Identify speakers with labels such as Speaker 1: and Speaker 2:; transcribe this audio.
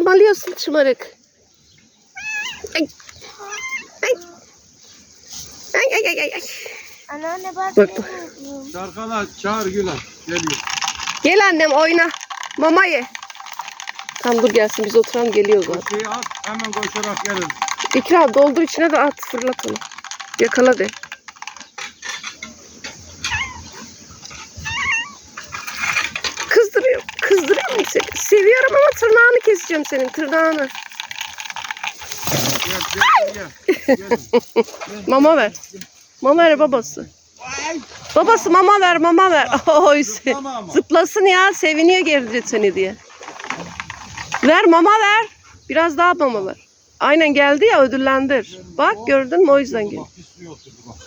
Speaker 1: tırmalıyorsun şımarık. Ay. Ay. Ay ay ay ay.
Speaker 2: Anneanne bak.
Speaker 1: Bak.
Speaker 3: Şarkala çağır Gülen. Geliyor.
Speaker 1: Gel annem oyna. Mama ye. Tamam dur gelsin biz oturalım geliyor zaten.
Speaker 3: O şeyi at hemen koşarak gelir.
Speaker 1: İkra doldu içine de at fırlat onu. Yakala de. Kızdırıyor mu seni? Seviyorum ama tırnağını keseceğim senin tırnağını.
Speaker 3: Gel.
Speaker 1: Mama ver. Mama ver babası. Babası mama ver mama ver. Oy, zıplasın ya seviniyor geri seni diye. Ver mama ver. Biraz daha mama ver. Aynen geldi ya ödüllendir. Bak gördün mü o yüzden geldi.